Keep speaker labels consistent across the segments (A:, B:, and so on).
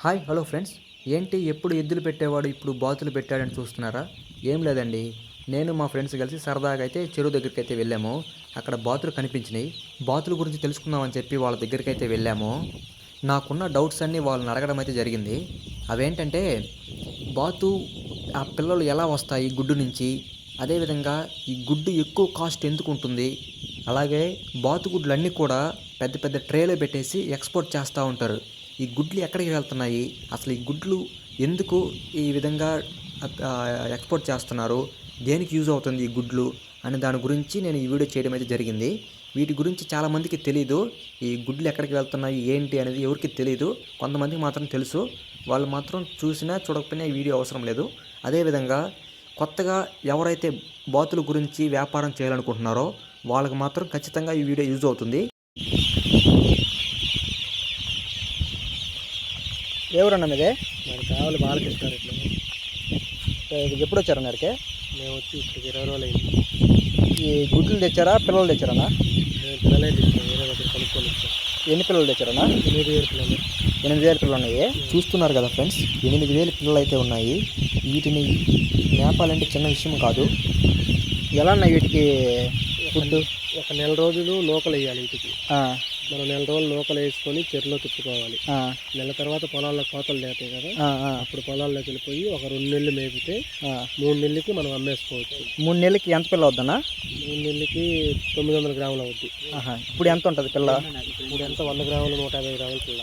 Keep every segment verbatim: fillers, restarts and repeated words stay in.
A: Hi hello friends. ఏంటి ఎప్పుడు ఎద్దులు పెట్టేవాడు ఇప్పుడు బాతులు పెట్టాడని చూస్తున్నారా? ఏం లేదండి, నేను మా ఫ్రెండ్స్ కలిసి సరదాగా అయితే చెరువు దగ్గరికి అయితే వెళ్ళాము. అక్కడ బాతులు కనిపించినాయి. బాతుల గురించి తెలుసుకుందామని చెప్పి వాళ్ళ దగ్గరికి అయితే వెళ్ళాము. నాకున్న డౌట్స్ అన్నీ వాళ్ళని అడగడం అయితే జరిగింది. అవేంటంటే, బాతు ఆ పిల్లలు ఎలా వస్తాయి గుడ్డు నుంచి, అదేవిధంగా ఈ గుడ్డు ఎక్కువ కాస్ట్ ఎందుకు ఉంటుంది, అలాగే బాతుగుడ్లు అన్నీ కూడా పెద్ద పెద్ద ట్రేలో పెట్టేసి ఎక్స్పోర్ట్ చేస్తూ ఉంటారు. ఈ గుడ్లు ఎక్కడికి వెళ్తున్నాయి, అసలు ఈ గుడ్లు ఎందుకు ఈ విధంగా ఎక్స్పోర్ట్ చేస్తున్నారు, దేనికి యూజ్ అవుతుంది ఈ గుడ్లు అనే దాని గురించి నేను ఈ వీడియో చేయడం అయితే జరిగింది. వీటి గురించి చాలామందికి తెలీదు. ఈ గుడ్లు ఎక్కడికి వెళ్తున్నాయి ఏంటి అనేది ఎవరికి తెలీదు. కొంతమందికి మాత్రం తెలుసు. వాళ్ళు మాత్రం చూసినా చూడకపోయినా ఈ వీడియో అవసరం లేదు. అదేవిధంగా కొత్తగా ఎవరైతే బాతుల గురించి వ్యాపారం చేయాలనుకుంటున్నారో వాళ్ళకి మాత్రం ఖచ్చితంగా ఈ వీడియో యూజ్ అవుతుంది. ఎవరన్నా మీదే?
B: నాకు కావాలి బాలకృష్ణ ఇట్లా.
A: ఎప్పుడు వచ్చారు అన్నరికి?
B: మేము వచ్చి ఇప్పటికి ఇరవై రోజులు అయింది.
A: ఈ గుడ్లు తెచ్చారా పిల్లలు తెచ్చారన్నా?
B: మేము పిల్లలే తెచ్చాం, వేరే దగ్గర కొనుక్కొని వచ్చాం.
A: ఎన్ని పిల్లలు తెచ్చారన్నా?
B: ఎనిమిది వేలు పిల్లలు.
A: ఎనిమిది వేల పిల్లలు ఉన్నాయి. చూస్తున్నారు కదా ఫ్రెండ్స్, ఎనిమిది వేల పిల్లలు అయితే ఉన్నాయి. వీటిని మేపాలంటే చిన్న విషయం కాదు. ఎలా ఉన్నాయి వీటికి ఫుడ్?
B: ఒక నెల రోజులు లోకల్ వేయాలి వీటికి. మనం నెల రోజులు లోకల్ వేసుకొని చెరువులో తిప్పుకోవాలి. నెల తర్వాత పొలాల్లో కోతలు లేతాయి కదా, అప్పుడు పొలాల్లోకి వెళ్ళిపోయి ఒక రెండు నెలలు మేపితే మూడు నెలలకి మనం అమ్మేసుకోవచ్చు.
A: మూడు నెలలకి ఎంత పిల్ల అవుద్దన్నా?
B: మూడు నెలలకి తొమ్మిది వందల గ్రాములు అవుద్ది.
A: ఇప్పుడు ఎంత ఉంటుంది పిల్ల?
B: ఇప్పుడు ఎంత వంద గ్రాములు నూట యాభై గ్రాముల పిల్ల.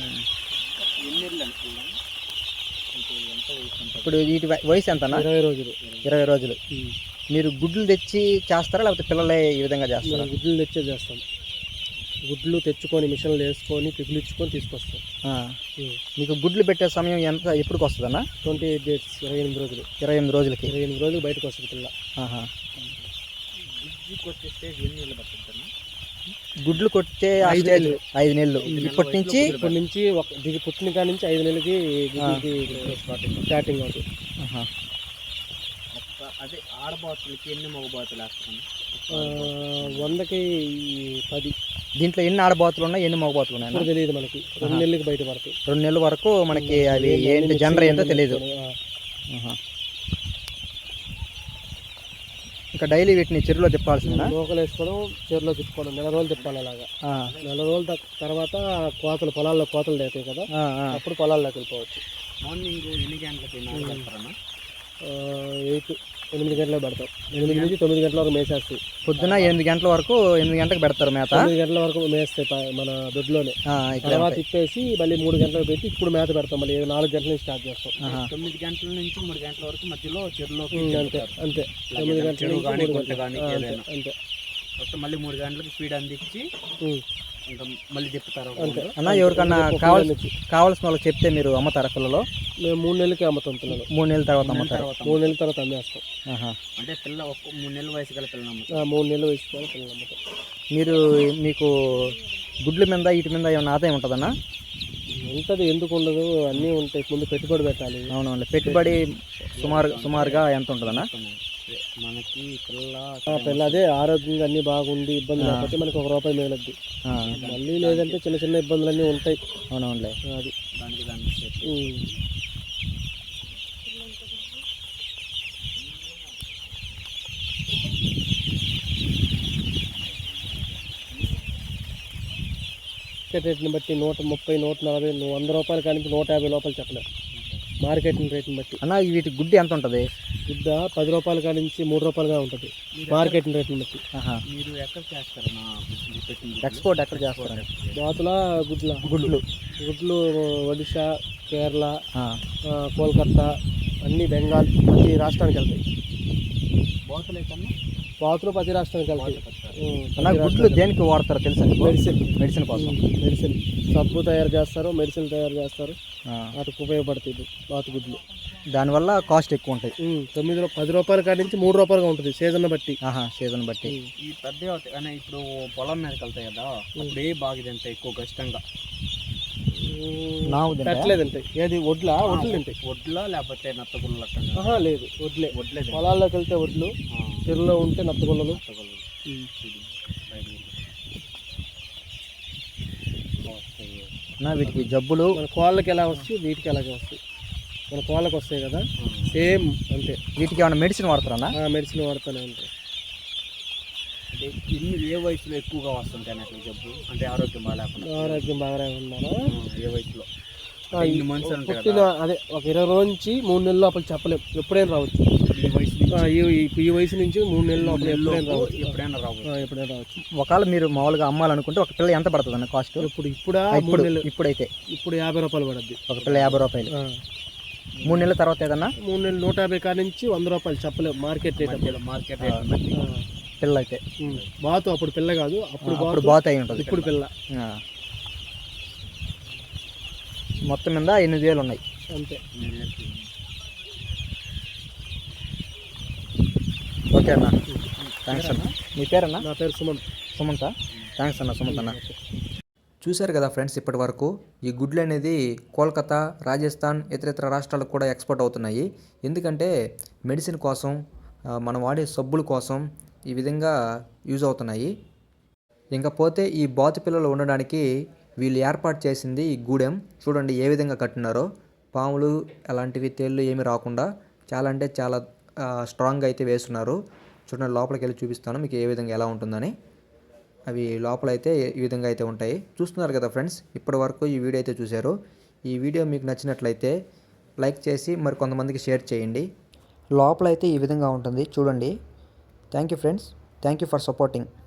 A: ఇప్పుడు వీటి వయసు ఎంతనా?
B: ఇరవై రోజులు.
A: ఇరవై రోజులు. మీరు గుడ్లు తెచ్చి చేస్తారా లేకపోతే పిల్లలే ఈ విధంగా చేస్తారా?
B: గుడ్లు తెచ్చే చేస్తాం. గుడ్లు తెచ్చుకొని మిషన్లు వేసుకొని పిగులిచ్చుకొని తీసుకొస్తాం.
A: మీకు గుడ్లు పెట్టే సమయం ఎంత ఎప్పటికి వస్తుందన్నా?
B: ట్వంటీ ఎయిట్ డేస్, ఇరవై ఎనిమిది రోజులు.
A: ఇరవై ఎనిమిది రోజులకి
B: ఇరవై ఎనిమిది రోజులు బయటకు వస్తుంది పిల్ల.
A: గుడ్లు కొట్టే ఐదు నెలలు ఐదు నెలలు ఇప్పటి నుంచి
B: ఇప్పటి నుంచి ఒక దిగి పుట్టిన కాడి నుంచి ఐదు నెలలకి స్టార్టింగ్ అవుతుంది.
A: అదే ఆడబాతులకి ఎన్ని మగబాతులు వేస్తాను?
B: వందకి పది.
A: దీంట్లో ఎన్ని ఆడబాతులు ఉన్నాయి, ఎన్ని మగబాతులు ఉన్నాయి
B: తెలియదు మనకి. రెండు నెలలకి బయట పడతాయి.
A: రెండు నెలల వరకు మనకి అవి ఏంటి జనర్ ఏంటో తెలియదు. ఇంకా డైలీ వీటిని చెరువులో తిప్పాల్సింది.
B: లోకలు వేసుకోవడం, చెరువులో తిప్పుకోవడం, నెల రోజులు తిప్పాలి. అలాగా నెల రోజుల తర్వాత కోతలు పొలాల్లో కోతలు లేతాయి కదా, అప్పుడు పొలాల్లోకి వెళ్ళిపోవచ్చు.
A: మార్నింగ్ ఎన్ని గంటలకి?
B: ఎయిట్ ఎనిమిది గంటలకు పెడతాం. ఎనిమిది నుంచి తొమ్మిది గంటల వరకు మేసేస్తాయి.
A: పొద్దున ఎనిమిది గంటల వరకు ఎనిమిది గంటలకు పెడతారు మేత.
B: తొమ్మిది గంటల వరకు మేస్తాయి మన దొడ్లోనే. తర్వాత తిప్పేసి మళ్ళీ మూడు గంటలకు పెట్టి ఇప్పుడు మేత పెడతాం. మళ్ళీ నాలుగు గంటల నుంచి స్టార్ట్ చేస్తాం.
A: తొమ్మిది గంటల నుంచి మూడు గంటల వరకు మధ్యలో చెరువులో
B: అంతే అంతే తొమ్మిది గంటల
A: అంతే. మళ్ళీ మూడు గంటలకు స్పీడ్ అందించి ఇంకా మళ్ళీ చెప్తారు.
B: అన్న
A: ఎవరికన్నా కావాల్సి కావాల్సిన వాళ్ళకి చెప్తే మీరు అమ్ముతారా పిల్లలు?
B: మేము మూడు నెలలకి అమ్ముతాం పిల్లలు.
A: మూడు నెలల తర్వాత అమ్ముతారు.
B: మూడు నెలల తర్వాత అమ్మేస్తాం.
A: అంటే పిల్ల ఒక మూడు నెలల వయసు గల పిల్లలు
B: మూడు నెలల వయసు గల పిల్లలు అమ్ముతాం.
A: మీరు మీకు గుడ్ల మీద వీటి మీద ఏమైనా ఆదాయం ఉంటుందన్నా?
B: ఉంటుంది, ఎందుకు ఉండదు, అన్నీ ఉంటాయి. ముందు పెట్టుబడి పెట్టాలి.
A: అవునండి. పెట్టుబడి సుమారు సుమారుగా ఎంత ఉంటుందన్నా? మనకి పిల్ల
B: పిల్ల అదే ఆరోగ్యంగా అన్నీ బాగుండి ఇబ్బంది లేకపోతే మనకి ఒక రూపాయి మిగలద్ది. మళ్ళీ లేదంటే చిన్న చిన్న ఇబ్బందులన్నీ ఉంటాయి.
A: అవునవునులే.
B: అది రేట్ని బట్టి నూట ముప్పై నూట నలభై వంద రూపాయల కానీ నూట యాభై రూపాయలు చెప్పలేదు. మార్కెట్ రేట్ని బట్టి.
A: అన్న వీటి గుడ్డి ఎంత ఉంటుంది?
B: గుడ్డ పది రూపాయల కాడి నుంచి మూడు రూపాయలుగా ఉంటుంది మార్కెట్ రేట్ని బట్టి.
A: మీరు ఎక్కడ చేస్తారు? ఎక్స్పోర్ట్ ఎక్కడ చేస్తారు?
B: బాతుల గుడ్ల
A: గుడ్లు
B: గుడ్లు ఒడిశా, కేరళ, కోల్కత్తా, అన్ని బెంగాల్, ప్రతి రాష్ట్రానికి వెళ్తాయి.
A: బాతులు అయితే
B: బాతులు ప్రతి రాష్ట్రానికి వెళ్తాయి.
A: గుడ్లు దేనికి వాడతారో తెలుసా?
B: మెడిసిన్
A: మెడిసిన్ కోసం.
B: మెడిసిన్ సబ్బు తయారు చేస్తారు, మెడిసిన్ తయారు చేస్తారు. వాటికి ఉపయోగపడుతుంది బాతు గుడ్లు.
A: దానివల్ల కాస్ట్ ఎక్కువ ఉంటాయి.
B: తొమ్మిది పది రూపాయల కాడి నుంచి మూడు రూపాయలుగా ఉంటుంది సీజన్ బట్టి.
A: సీజన్ బట్టి. ఈ పెద్ద ఇప్పుడు పొలం మీదకి వెళ్తాయి కదా, అప్పుడు ఏ బాగా తింటాయి ఎక్కువ కష్టంగా?
B: పెట్టలేదంటే ఏది వడ్ల వడ్లు తింటాయి.
A: వడ్ల లేకపోతే నత్తగుళ్ళు?
B: లేదు, వడ్లే. వడ్లే పొలాల్లోకి వెళ్తే వడ్లు, చెరువులో ఉంటే నత్తగుళ్ళలు.
A: నా వీటికి జబ్బులు
B: మన కోళ్ళకి ఎలా వస్తాయి వీటికి అలాగే వస్తాయి. మన కోళ్ళకి వస్తాయి కదా సేమ్ అంతే.
A: వీటికి ఏమైనా మెడిసిన్ వాడతారన్నా?
B: మెడిసిన్ వాడుతూనే ఉంటాయి.
C: అంటే ఇన్ని ఏ వయసులో ఎక్కువగా వస్తుంటాయి అట్లా జబ్బు, అంటే ఆరోగ్యం బాగాలేకుండా?
B: ఆరోగ్యం బాగానే ఉన్నారా
C: ఏ వయసులో?
B: ఆ, ఈ పుట్టిన అదే ఒక ఇరవై రోజు నుంచి మూడు నెలల లోపల చెప్పలేం, ఎప్పుడైనా రావచ్చు.
C: ఈ వయసు
B: ఆ, ఈ ఈ- ఈ వయసు నుంచి మూడు నెలల లోపల ఎప్పుడైనా రావచ్చు.
C: ఎప్పుడైనా రావచ్చు.
B: ఆ, ఎప్పుడైనా రావచ్చు.
A: ఒకవేళ మీరు మామూలుగా అమ్మాలనుకుంటే ఒక పిల్ల ఎంత పడుతుంది అన్న కాస్ట్?
B: ఇప్పుడు ఇప్పుడా మూడు
A: ఇప్పుడు
B: నెలలు
A: ఇప్పుడైతే
B: ఇప్పుడు యాభై రూపాయలు పడుద్ది.
A: ఒక పిల్ల యాభై రూపాయలు.
B: ఆ,
A: మూడు నెలల తర్వాత ఏదన్నా
B: మూడు నెలలు నూట యాభై కాడ నుంచి వంద రూపాయలు చెప్పలేము మార్కెట్ రేట్ అప్పుడు.
C: మార్కెట్ రేట్ బట్టి.
B: ఆ,
A: పిల్ల అయితే
B: ఉమ్. బాతు అప్పుడు పిల్ల కాదు, అప్పుడు
A: అప్పుడు
B: బాతు,
A: బాత్ అయి ఉంటుంది.
B: ఇప్పుడు పిల్ల.
A: ఆ. మొత్తం మీద ఎనిమిది వేలు ఉన్నాయి.
B: అంతే.
A: ఓకే అన్న, థ్యాంక్స్ అన్న. మీ పేరన్నా?
B: నా పేరు సుమన్.
A: సుమంత. థ్యాంక్స్ అన్న సుమంత్ అన్న. చూశారు కదా ఫ్రెండ్స్, ఇప్పటి వరకు ఈ గుడ్లు అనేది కోల్కతా, రాజస్థాన్, ఇతర ఇతర రాష్ట్రాలకు కూడా ఎక్స్పోర్ట్ అవుతున్నాయి. ఎందుకంటే మెడిసిన్ కోసం, ఆ, మనం వాడే సబ్బుల కోసం ఈ విధంగా యూజ్ అవుతున్నాయి. ఇంకా పోతే ఈ బాతు పిల్లలు ఉండడానికి వీళ్ళు ఏర్పాటు చేసింది ఈ గూడెం చూడండి ఏ విధంగా కట్టినారో. పాములు అలాంటివి తేళ్ళు ఏమి రాకుండా చాలా అంటే చాలా స్ట్రాంగ్గా అయితే వేస్తున్నారు. చూడండి, లోపలికి వెళ్ళి చూపిస్తాను మీకు ఏ విధంగా ఎలా ఉంటుందని. అవి లోపల అయితే ఈ విధంగా అయితే ఉంటాయి. చూస్తున్నారు కదా ఫ్రెండ్స్, ఇప్పటి వరకు ఈ వీడియో అయితే చూశారు. ఈ వీడియో మీకు నచ్చినట్లయితే లైక్ చేసి మరి కొంతమందికి షేర్ చేయండి. లోపల అయితే ఈ విధంగా ఉంటుంది చూడండి. Thank you friends, thank you for supporting.